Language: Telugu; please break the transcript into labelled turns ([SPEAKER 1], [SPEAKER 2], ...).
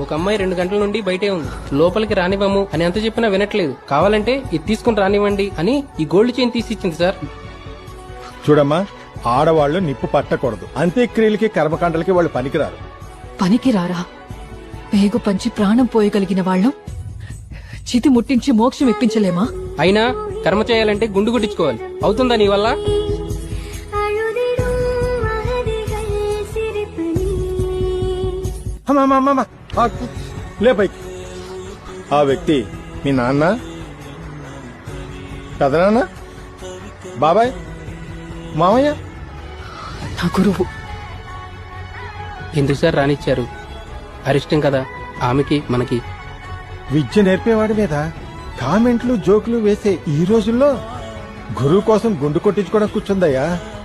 [SPEAKER 1] ఒక అమ్మాయి 2 గంటల నుండి బయటే ఉంది. లోపలికి రానివ్వము అని ఎంత చెప్పినా వినట్లేదు. కావాలంటే ఇది తీసుకుని రానివ్వండి అని ఈ గోల్డ్ చైన్ తీసి ఇచ్చింది సార్.
[SPEAKER 2] చూడమ్మా, ఆడవాళ్లు నిప్పు పట్టకూడదు. అంత్యక్రియలకి కర్మకాండలకి వాళ్ళు పనికిరారు.
[SPEAKER 3] పనికిరారా? పేగు పంచి ప్రాణం పోయగలిగిన వాళ్ళం చితి ముట్టించి మోక్షం ఇప్పించలేమా?
[SPEAKER 1] అయినా కర్మ చేయాలంటే గుండు గుట్టించుకోవాలి. అవుతుందా నీ వల్ల?
[SPEAKER 2] లే పైకి. ఆ వ్యక్తి మీ నాన్న, పెదనాన్న, బాబాయ్, మామయ్య?
[SPEAKER 3] నా గురువు.
[SPEAKER 1] ఎందుకు సార్ రానిచ్చారు? అరిష్టం కదా ఆమెకి మనకి.
[SPEAKER 2] విద్య నేర్పేవాడి మీద కామెంట్లు జోకులు వేసే ఈ రోజుల్లో గురువు కోసం గుండు కొట్టించుకోవడం కూర్చుందయ్యా.